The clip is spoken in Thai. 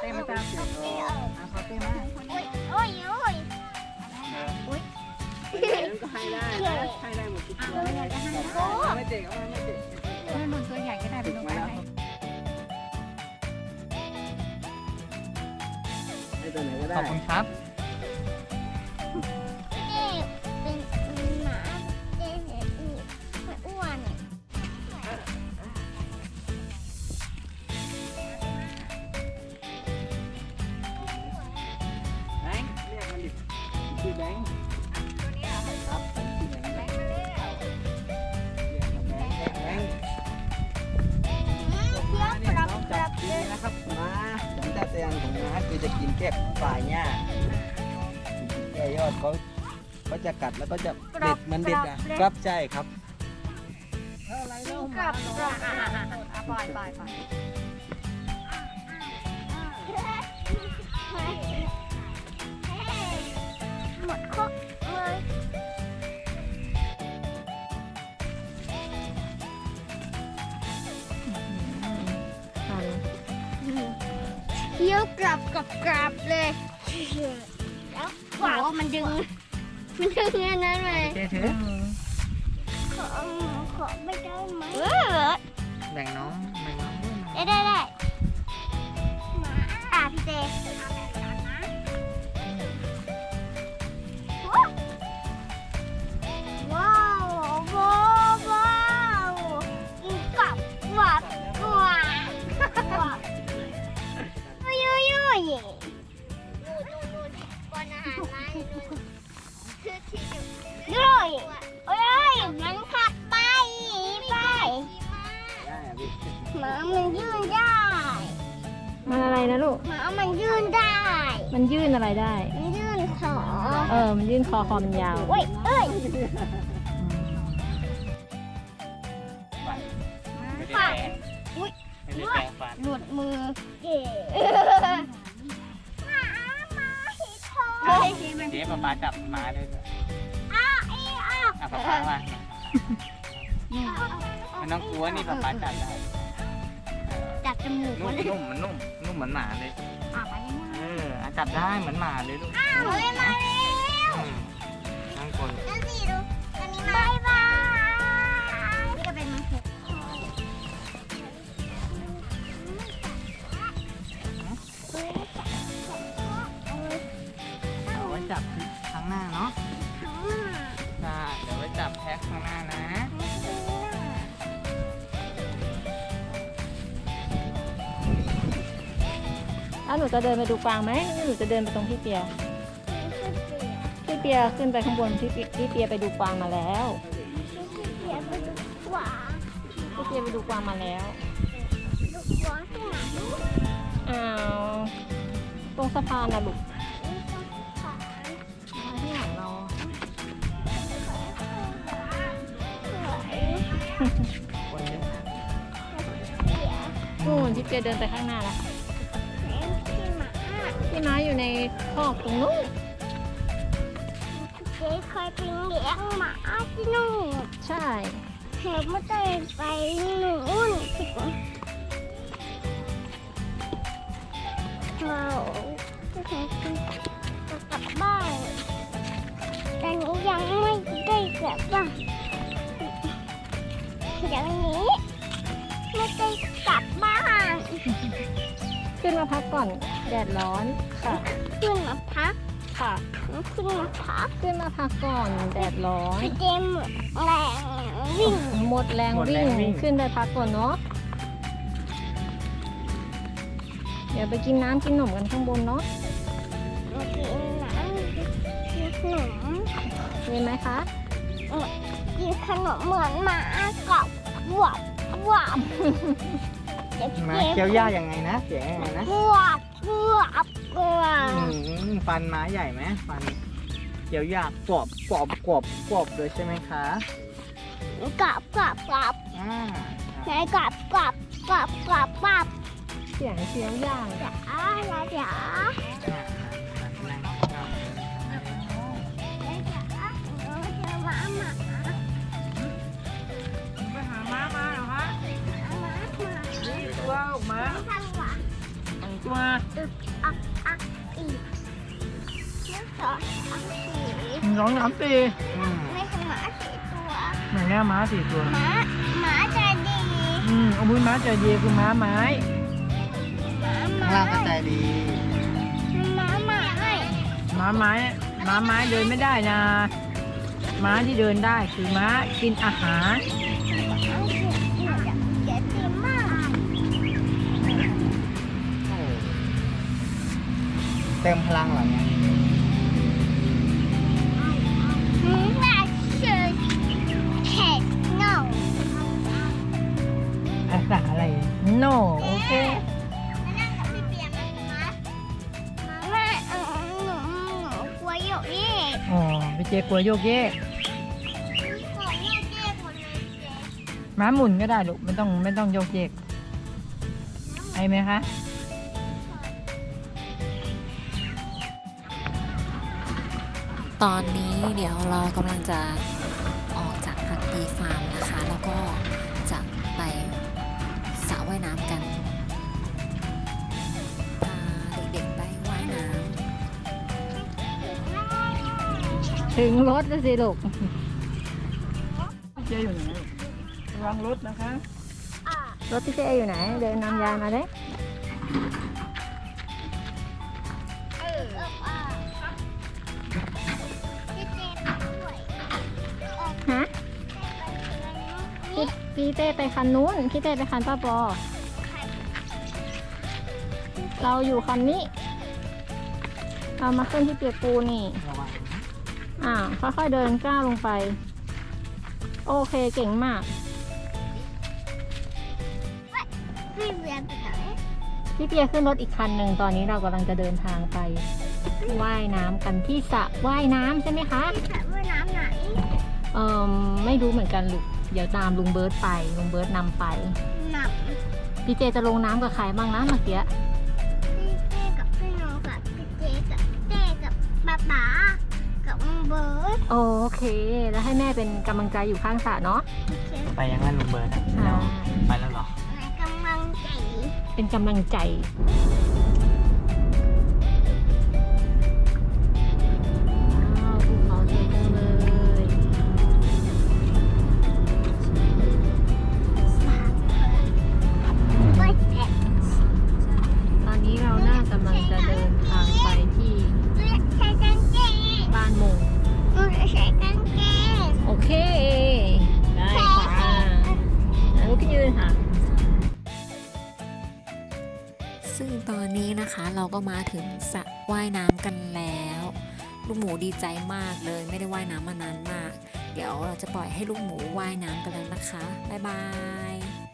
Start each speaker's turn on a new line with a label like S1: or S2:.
S1: ต้มาจับขอเต้มา
S2: โอ้ยโอ้ย
S1: นั่นก็ให้ได้นะให้ได้หมดทุกตัวไม่เจ็บไม่เจ็บ
S3: ถ้าหนุนตัวใหญ่ก็ได้เป็นนกไม้
S1: ให้ตัวไหนก็ได้
S4: ขอบคุณครับ
S2: นี่เป็นหมาเจ๊เห็นมันอ้วน
S1: แบงค์เรียกมันดิชื่อแบงค์ครับชื่อแบงค์แบงค์เรียกแบงค์
S2: เที่ยว
S1: เนี่ย
S2: กลับ
S1: น้อง
S2: ก
S1: จั
S2: ลั
S1: บบ ดีนะครับม้าสัญชาตญาณของม้าคือจะกินแค่ฝ่ายหญ้าแค่ยอดเขาจะกัดแล้วก็จะเด็ดมันเด็ดอ่ะครับใช่ครับ
S2: กลับกลับ
S3: ปล่อยปล่อยปล่อย
S2: หมดครบเลยเที่ยวกลับเลยแล้วขวามันดึงอันนั้นเลย
S4: เจ๊ถือ
S2: ขอไม่ได้ไหม
S4: แบ่งน้องด้วยนะ
S2: ได้พี่เจว้าวกินกับหวานยุ่ยป้อนอาหารไล่ด้วยเอ้ยมันขับไป
S1: ได้อ่ะพี่
S2: หมามันยืนได้
S3: มันอะไรนะลูก
S2: หมามันยืนได้
S3: มันยื่นอะไรได้
S2: มันยื่นขอ
S3: มันยื่นคอมันยาว
S2: เว้ยเอ้ย
S4: ไม่ได้แปรงไม่ได้แปรงฟัน
S2: หลุดมือเก๋หมาหิดทอง
S4: เจ๊ป๊าจับม้าด้วย ป๊ามาไม่ต้องกลัวนี่ป๊าจับได้
S2: จับจมูก
S4: นุ่มมันนุ่มเหมือนหมาเลยจับได้เหมือนหมาเลยลูก
S2: เฮ้ยมาแล้ว
S4: นั่งคน
S2: นั่นสิดูอันนี้มาบายบายนี่ก็เป็นมังคุด
S4: เอาไว้จับข้างหน้าเนาะได้เดี๋ยวไว้จับแพ็คข้างหน้านะ
S3: แล้วหนูจะเดินไปดูกวางไหมหรือหนูจะเดินไปตรงพี่เปียขึ้นไปข้างบนพี่เปียไปดูกวางมาแล้ว
S2: เสียไปดูขวา
S3: พี่เปียไปดูกวางมาแล้ว
S2: ดูขวาที่ไหน
S3: อ้าวตรงสะพานนะลูก
S2: ขวา
S3: ที่หลังเรา
S4: คนเยอะ
S3: นู่นพี่เปียเดินไปข้างหน้าแล้วค่ะพี่ม้าอยู่ในคอกตรงนู้น
S2: เจ๊เคยไปเลี้ยงหมาที่นู่น
S3: ใช่
S2: เธอไม่ได้ไปนู่นเรากลับบ้านแต่นี้ยังไม่ได้กลับบ้านเดี๋ยวนี้ไม่ได้กลับบ้าน
S3: ขึ้นมาพักก่อนแดดร้อนค่ะ
S2: ขึ้นมาพัก
S3: ค่ะ
S2: ขึ้นมาพัก
S3: ขึ้นมาพักก่อนแดดร้อน
S2: เจมแรงวิ่ง
S3: หมดแรงวิ่งขึ้นไปพักก่อนเนาะเดี๋ยวไปกินน้ำกินขนมกันข้างบนเนาะ
S2: มากินน้ำกินขนม
S3: มีไหมคะ
S2: กินขนมเหมือนหมากับหวบหวบเดี๋ยว
S4: มา
S2: เจ
S4: เคี้ยวหญ้ายังไงนะเสียงยังไงนะ
S2: หวบหวบหวบ
S4: ฟันม้าใหญ่ไหมฟันเคี้ยวหญ้ากรอบเลยใช่ไหมคะ
S2: กับ
S4: อ่า
S2: ไหนกับ
S3: เสียงเคี้ยวย่าง
S2: จ๋าจ๋า
S1: ไปหาม้ามาเหรอฮะ
S2: หมา
S1: ตัวออกมา
S2: ทำหวาน
S1: ท
S4: ตัว
S2: อีก1 2 3 4
S4: 1 2 3 4
S2: ไม่ใช่หมา4 ตัว
S4: ไหนเนี่ยม้า4 ตัว
S2: หมาใจดี
S4: เอาบุญม้าใจดีคือม้าไม้
S1: ข้างล่างก็ใจดี
S2: หมาหมาให้
S4: ม้าไม้เดินไม่ได้นะ ม้าที่เดินได้คือม้ากินอาหาร
S2: เดี๋ยวตีมาก
S1: เต็มพลังเหรอเนี่ย
S2: ว่าชื่อเห็ดเงา
S4: ภาษาอะไร no โอเค
S2: มานั่งกับพี่เปียไหมคะแม่หนูกลัวโยกเยก
S4: อ๋อพี่เจกลัวโยกเยก
S2: กลัวโยกเยกหมดเลยเจ๊
S4: ม้าหมุนก็ได้ลูกไม่ต้องโยกเยกไอไหมคะ
S5: ตอนนี้เดี๋ยวเรากำลังจะออกจากพักดีฟาร์มนะคะ แล้วก็จะไปสระว่ายน้ำกัน พาเด็กๆไปว่ายน้
S3: ถึงรถแล้วสิลูก
S4: พี่เจอยู่ไหนลูกระวังรถนะคะ
S3: รถพี่เจอยู่ไหน เดินนำยายมาเลย
S2: พี่เจ๊ไปด้วย
S3: ฮะ พี่เต้ไปคันนู้น พี่เต้ไปคันป้าปอ เราอยู่คันนี้ เรามาขึ้นที่เปียกปูนี่
S4: ระวัง
S3: ค่อยๆเดินก้าวลงไป โอเคเก่งมาก
S2: พี่เวียนไปไหน
S3: พี่เปียขึ้นรถอีกคันหนึ่งตอนนี้เรากำลังจะเดินทางไปว่ายน้ำกันที่สระว่ายน้ำใช่ไหมคะ
S2: พี่สระว่ายน้ำไหน
S3: ไม่รู้เหมือนกันลูก เดี๋ยวตามลุงเบิร์ตไป ลุงเบิร์ตนำไป
S2: หนัก
S3: พี่เจจะลงน้ำกับใครบ้างนะเมื่อกี้
S2: พี่เจ๊กับพี่น้องกับพี่เจ๊กับเจ๊กับป๊าป๊ากับมึงเบิร์ด
S3: โอเค แล้วให้แม่เป็นกำลังใจอยู่ข้างสระเนาะ
S4: ไปยังไงลุงเบิร์ดอะแล้วไปแล้วเหรอ
S2: ในกำลังใจ
S3: เป็นกำลังใจ ว้าวภูเขาสวยจังเลย
S2: ไปเจ๊
S3: ตอนนี้เราน่ากำลังจะเดินทางไปที่
S2: ใส่กางเกง
S3: บ้านมง
S2: ใส่กางเกง
S3: โอเค ได้ค่ะลุกขึ้นยืนค่ะ
S5: ำซึ่งตอนนี้นะคะเราก็มาถึงสระว่ายน้ำกันแล้ว ลูกหมูดีใจมากเลยไม่ได้ว่ายน้ำมานานมาก เดี๋ยวเราจะปล่อยให้ลูกหมูว่ายน้ำกันแล้วนะคะ บ๊ายบาย